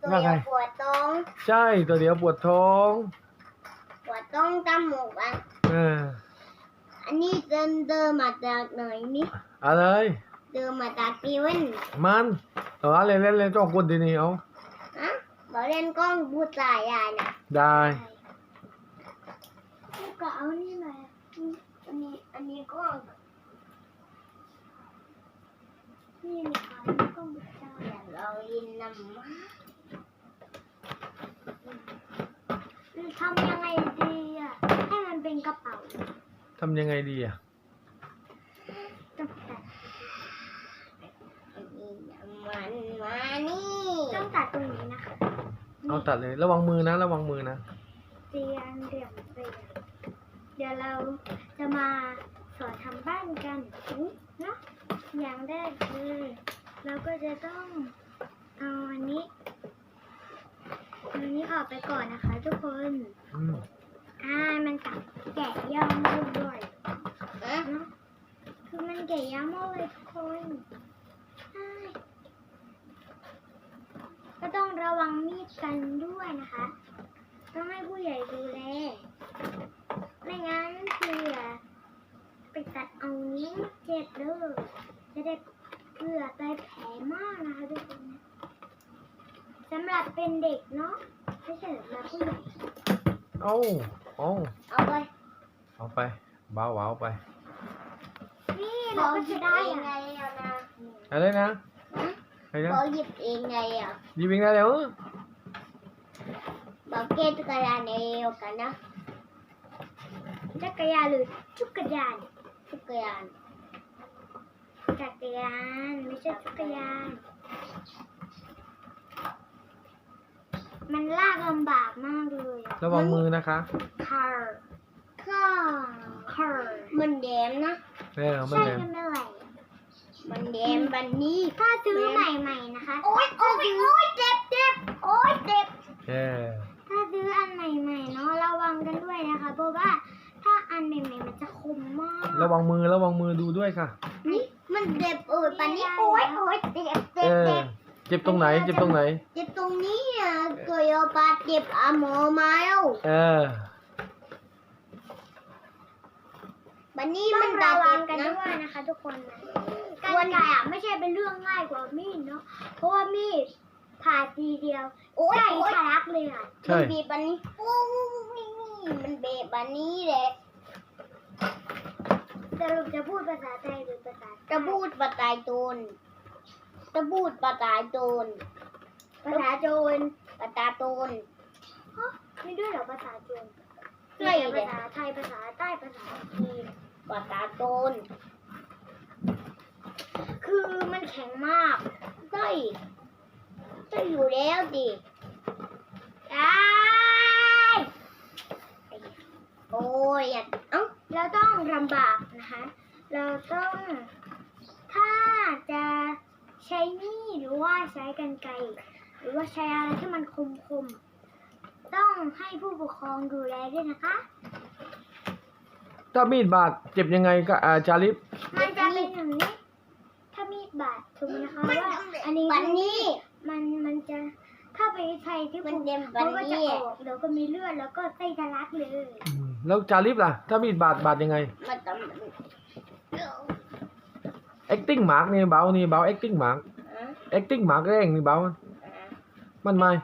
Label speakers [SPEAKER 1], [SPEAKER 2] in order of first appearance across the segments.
[SPEAKER 1] ตัวเดียวปวดท้อง
[SPEAKER 2] ใช่ตัวเดียวปวดท้อง
[SPEAKER 1] ปวดท้องจมูกอันนี้เดินมาจากไหนนี่
[SPEAKER 2] อะไร
[SPEAKER 1] เดินมาจากตีเว้น
[SPEAKER 2] มันเล่นจ้องกดทีนี้เอา
[SPEAKER 1] อะบอกเล่นกล้องบูตายายนะ
[SPEAKER 2] ได้
[SPEAKER 1] ก็เอานี่มาอันนี้กล้องนี่นะคะนี่กล้องบูตายเรายินน้ำมาทำยังไงดีอ่ะให้มันเป็นกระเป๋า
[SPEAKER 2] ทำยังไงดีอ่ะ
[SPEAKER 1] ต้องตัดมันมานี่ต้องตัดตรงนี้นะคะ
[SPEAKER 2] เอาตัดเลยระวังมือนะระวังมือนะ
[SPEAKER 1] เตียงเดี๋ยวเราจะมาสอนทำบ้านกันเนาะอย่างแรกคือเราก็จะต้องเอาอันนี้ออกไปก่อนนะคะทุกคนมันตัดแกะยากมากเลยเนาะคือมันแกะยากมากเลยทุกคนก็ต้องระวังมีดกันด้วยนะคะ ต้องให้ผู้ใหญ่ดูแลไม่งั้นเผื่อไปตัดเอานิ้วเจ็บเด้อจะได้เผื่อตายแผลมากนะคะทุกคนสำหรับเป็นเด็กเนาะไม่ใช่สำหรับผู้ใหญ่เอาไป
[SPEAKER 2] เบาเอาไป
[SPEAKER 1] นี่เราก็จะได้ไงนะ
[SPEAKER 2] อะไรนะ
[SPEAKER 1] เราหยิบเองไง
[SPEAKER 2] หยิบเองได้แล้ว
[SPEAKER 1] บอกเกจักรยานเอวกันนะจักรยานหรือจักรยานไม่ใช่จักรยานมันลากลำบากมากเลย
[SPEAKER 2] ระวังมือนะคะ
[SPEAKER 1] คาร์มันแดมนะ
[SPEAKER 2] มันแดม
[SPEAKER 1] มันแดมบันนี้ถ้าซื้อใหม่ๆนะคะโอ๊ยเจ็บถ้าซื้ออันใหม่ๆเนาะระวังกันด้วยนะคะเพราะว่าถ้าอันใหม่ๆมันจะคมมาก
[SPEAKER 2] ระวังมือดูด้วยค่ะ
[SPEAKER 1] นี่มันเจ็บปันนี้โอ๊ยเจ็บ
[SPEAKER 2] ตรงไหนเจ็บตรงนี้
[SPEAKER 1] เกิดบาดเจ็บหมอมาแล้วบันนี้มันระวังกันด้วยนะคะทุกคนการไก่ไม่ใช่เป็นเรื่องง่ายกว่ามีดเนาะเพราะว่ามีดผ่าทีเดียวใช่ทะลักเลยมันบีบบันนี้มันเบะบันนี้แหละสรุปจะพูดภาษาไทยหรือภาษาจะพูดภาษาโจรภาษาโจรภาษาไม่ด้วยเหรอภาษาโจรใช่ภาษาไทยภาษาใต้ภาษาจีนภาษาโจรคือมันแข็งมากใช่อยู่แล้วดิโอ้ยเราต้องลำบากนะคะเราต้องถ้าจะใช้มีดหรือว่าใช้กรรไกรหรือว่าใช้อะไรที่มันคมต้องให้ผู้ปกครองดูแลด้วยนะคะ
[SPEAKER 2] ถ้ามีดบาดเจ็บยังไงก็จาริบ
[SPEAKER 1] มันจะเป็นอย่างนี้ถ้ามีดบาดถูกไหมคะว่าอันนี้มันจะถ้าไปใช้ที่มันก็จะออกแล้วก็มีเลือดแล้วก็ไส้ทะลักเลย
[SPEAKER 2] แล้วจาริบล่ะถ้ามีดบาดยังไงacting mark นี่เบาacting mark แรงนี่เบามันไม่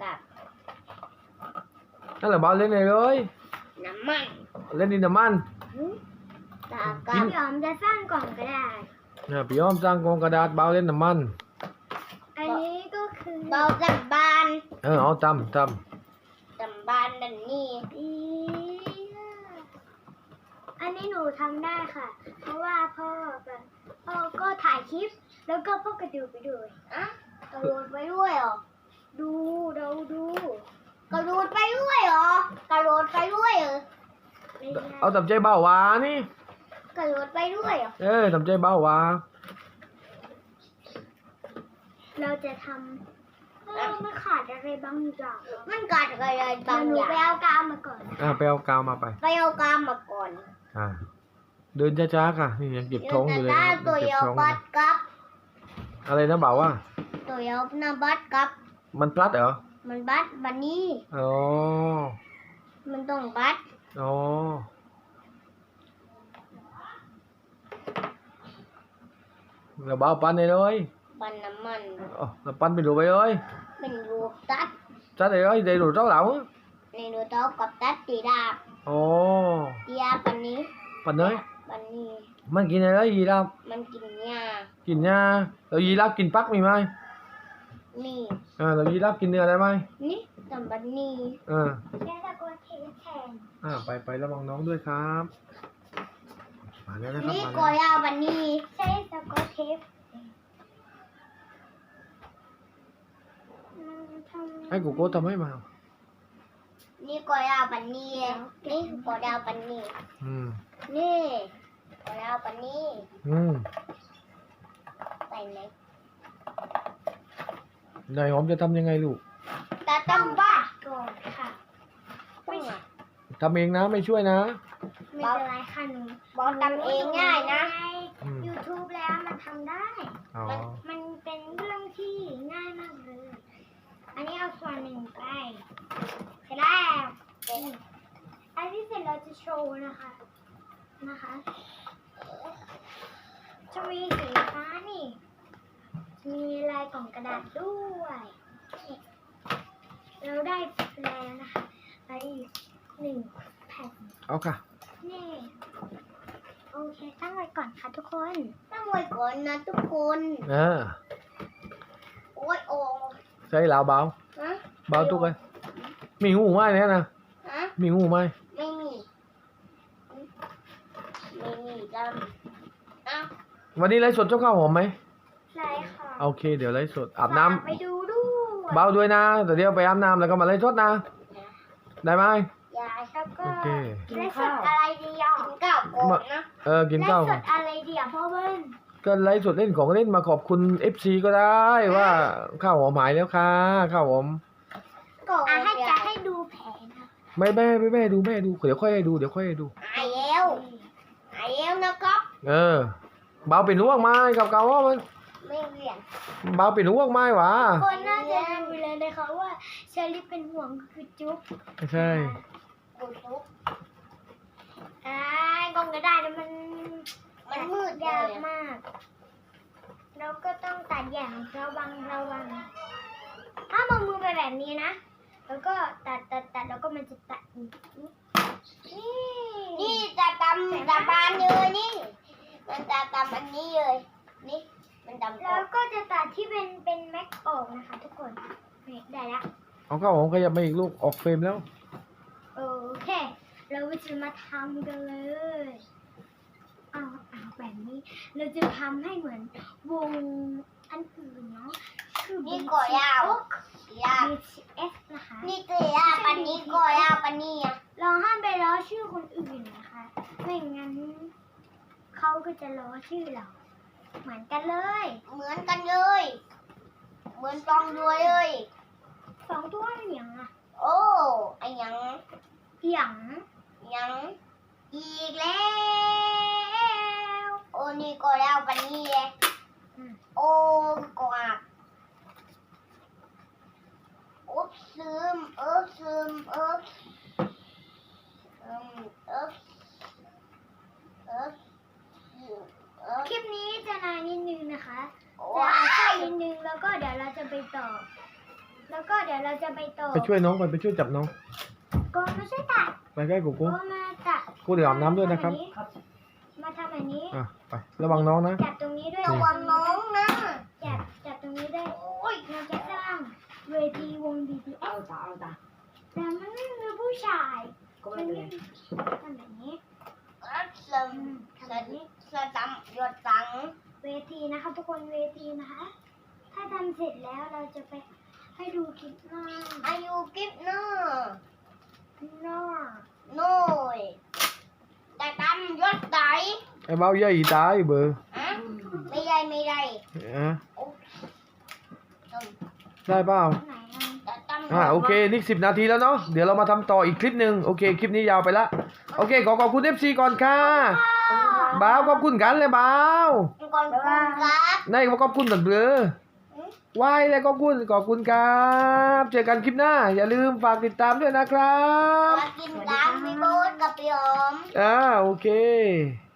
[SPEAKER 2] นั่นแหละเบาเล่นเลย
[SPEAKER 1] น้ำมัน
[SPEAKER 2] เล่นดินน้ำมัน
[SPEAKER 1] พี่ยอมจะสร้างกล่องกระดาษ
[SPEAKER 2] พี่ยอมสร้างกล่องกระดาษเบาเล่นน้ำมัน
[SPEAKER 1] อันนี้ก็คือเบาจับบาน
[SPEAKER 2] เอาจำ
[SPEAKER 1] บานดันนี่อันนี้หนูทำได้ค่ะเพราะว่าพ่อก็ถ่ายคลิปแล้วก็พ่อกระดูไปด้วยกระโดดไปด้วยเหรอดูกระโดดไปด้วยเหรอ
[SPEAKER 2] เอาทำใจเบาวานี่
[SPEAKER 1] กระโดดไปด้วยเหรอ
[SPEAKER 2] ทำใจเบาวา
[SPEAKER 1] เราจะทำมันขาดอะไรบางอย่างมันขาดอะไรบางอย่างไปเอากาวมาก่อน
[SPEAKER 2] ไปเอากาวมาไป
[SPEAKER 1] เอากาวมาก่อน
[SPEAKER 2] เดินช้าๆค่ะนี่ยังเก็บท้องอยู่เลย
[SPEAKER 1] ตัวยาวบัดกับ
[SPEAKER 2] อะไรนะบ่าวว่า
[SPEAKER 1] ตัวยาวนะบัดกับ
[SPEAKER 2] มันพลัดเหรอ
[SPEAKER 1] มันบัดบันนี่
[SPEAKER 2] อ๋อ
[SPEAKER 1] มันต้องบัด
[SPEAKER 2] อ๋อเราเบาปั้นเลย
[SPEAKER 1] บันน้ำมัน
[SPEAKER 2] เราปั้นเป็นรูปไปเลย
[SPEAKER 1] เป็นรูปตัด
[SPEAKER 2] chắc rồi đầy đủ rau lẩu
[SPEAKER 1] ในรูโต๊ะกับตัดตีดาบ
[SPEAKER 2] ồ
[SPEAKER 1] ตีดาบปันนี้
[SPEAKER 2] phần ơi
[SPEAKER 1] ปันนี้
[SPEAKER 2] มันกินอะไรยีราฟ
[SPEAKER 1] มันกินหญ้า
[SPEAKER 2] กินหญ้าแล้วยีราฟกินฟักมีไหม
[SPEAKER 1] นี่
[SPEAKER 2] แล้วยีราฟกินเนื้อได้ไหม
[SPEAKER 1] นี่ตำบันนี่ แค่ตะโกนเทแทน
[SPEAKER 2] ไประวังน้องด้วยครับมาแล้วนะครับ
[SPEAKER 1] นี่
[SPEAKER 2] มา
[SPEAKER 1] ก็
[SPEAKER 2] แล้ว
[SPEAKER 1] ยาวบันนี่ใช่ตะโกนเทป
[SPEAKER 2] ให้กูโก้ทำให้มา
[SPEAKER 1] นี่ก็ยาวปันนี่นี่ก็ยาวปันนี่
[SPEAKER 2] อืม
[SPEAKER 1] นี่ก็ยาวปันนี่
[SPEAKER 2] อืม
[SPEAKER 1] ใส่ไหน
[SPEAKER 2] นายหอมจะทำยังไงลูก
[SPEAKER 1] ตาต้องบ้าก่อนค่ะไม่
[SPEAKER 2] ทำเองนะไม่ช่วยนะ
[SPEAKER 1] เป็นไรค่ะหนูบอกทำเองง่ายนะ
[SPEAKER 2] อืม
[SPEAKER 1] YouTube แล้วมันทำได้
[SPEAKER 2] อ๋อ
[SPEAKER 1] มันเป็นเรื่องที่ง่ายมากเลย อันนี้เอาส่วนหนึ่งไปเสร็จแล้วอันที่เสร็จเราจะโชว์นะคะ จะมีสีฟ้านี่ มีลายกล่องกระดาษด้วยนี่เราได้แล้วนะคะไปอีก1 แผ่น
[SPEAKER 2] เอาค่ะ
[SPEAKER 1] นี่ โอเค ตั้งไว้ก่อนค่ะทุกคน ตั้งไว้ก่อนนะทุกคน โอ้ยโอ้
[SPEAKER 2] ใช่แล้วเบา
[SPEAKER 1] ฮะ
[SPEAKER 2] เบาตุ๊กเลยมีงูไหมเนี่ยนะ
[SPEAKER 1] ฮะ
[SPEAKER 2] มีงูไหม
[SPEAKER 1] ไม่มีดำอ้าว
[SPEAKER 2] วันนี้ไลฟ์สดเจ้าข้าวหอมไหม
[SPEAKER 1] ใช่ค่ะ
[SPEAKER 2] โอเค เดี๋ยวไลฟ์สดอาบน้ำ
[SPEAKER 1] ไปดูด้วย
[SPEAKER 2] เบาด้วยนะเดี๋ยวไปอาบน้ำแล้วก็มาไลฟ์สดนะ ได้ไหม
[SPEAKER 1] ยายแล้วก็
[SPEAKER 2] โอเค
[SPEAKER 1] ไล่สดอะไรดีอ่ะกินข้าวก่อนนะ
[SPEAKER 2] กินข้าว
[SPEAKER 1] ไล่สดอะไรดีอ่ะพ่อเบิ้ล
[SPEAKER 2] ก็ไลฟ์สดเล่นของเล่นมาขอบคุณ FC ก็ได้ว่าข้าวหอมหายแล้วค่ะข้าวหอม
[SPEAKER 1] ให้ดูแผลนะ
[SPEAKER 2] ไม่แม่ดูแม่ดูเดี๋ยวค่อยให้ดูหาย
[SPEAKER 1] แล้วนะครับ
[SPEAKER 2] เบาเป็นห่วงไม้กับเก่าว่ามัน
[SPEAKER 1] ไม่เรียน
[SPEAKER 2] เบาเป็นห่วงไม้หวะ
[SPEAKER 1] คนน่าจะดูเลยนะคะว่าเชอรี่เป็นห่วงคือจุ๊บ
[SPEAKER 2] ไม่ใช่
[SPEAKER 1] จุ๊บกล้องก็ได้แต่มันมืดยากมากเราก็ต้องตัดอย่างระวังถ้ามองมือไปแบบนี้นะแล้วก็ตัดแล้วก็มันจะตัดนี่จะตำบานเลยนี่มันจะตำอันนี้เลยนี่มันตำแล้วก็จะตัดที่เป็นแม็กออกนะคะทุกคนนี่ได้ละ
[SPEAKER 2] เอาข้าวหอมขยับมาอีกลูกออกเฟรมแล้ว
[SPEAKER 1] โอเคเราจะมาทำกันเลยเอาแบบนี้เราจะทำให้เหมือนวงอันอื่นเนาะคือนี่ก่อยาว BTS นะคะนี่ตัวยาวปันนี้ก่อยาวปันนี้เราห้ามไปล้อชื่อคนอื่นนะคะไม่งั้นเขาก็จะล้อชื่อเราเหมือนกันเลยเหมือนตองด้วยเลย2 ตัวเหนียงอ่ะโอ้ไอหยังอีกแล้วโอ้นี่ก็แล้วปันนี้เลยโอ้กว่าซึมคลิปนี้จะนานนิดนึงนะคะจะสั้นนิดนึงแล้วก็เดี๋ยวเราจะไปต่อ
[SPEAKER 2] ไปช่วยน้องไปช่วยจับน้อง
[SPEAKER 1] ก็มาช่วยตัด
[SPEAKER 2] ไปใกล้กู
[SPEAKER 1] ก็มาตัด
[SPEAKER 2] กูเดี๋ยวอาบน้ำด้วยนะครับ
[SPEAKER 1] มาทำแบบนี้
[SPEAKER 2] ไประวังน้องนะ
[SPEAKER 1] จับตรงนี้ด้วยระวังน้องนะจับตรงนี้ด้วยเราจะสร้างเวทีวง BTS
[SPEAKER 3] เอาตา
[SPEAKER 1] แต่มันไม่มีผู้ชาย
[SPEAKER 3] ก็ไม่เป็นไร
[SPEAKER 1] ทำแบบนี้ทำแบบนี้เวทีนะคะทุกคนเวทีนะคะ ถ้าทำเสร็จแล้วเราจะไปให้ดูคลิปหน้าน้อยแต่ทำยศไหน
[SPEAKER 2] ไอ้เบาเยอะอีตายเบอร์
[SPEAKER 1] ไม่ได้ได้
[SPEAKER 2] ได้เปล่า
[SPEAKER 1] ไหนแต่
[SPEAKER 2] โอเคนี่10 นาทีแล้วเนาะเดี๋ยวเรามาทำต่ออีกคลิปหนึ่งโอเคคลิปนี้ยาวไปละโอเคขอบคุณ FC ก่อนค่ะบ่าวขอบคุณกันเลยบ่าว
[SPEAKER 1] ก่อนครับ
[SPEAKER 2] นายขอบคุณกันเบลอไหว้เลยขอบคุณครับเจอกันคลิปหน้า อย่าลืมฝากติดตามด้วยนะครับ
[SPEAKER 1] มากินตามพี่โบ๊ทกับพี่หอม
[SPEAKER 2] โอเค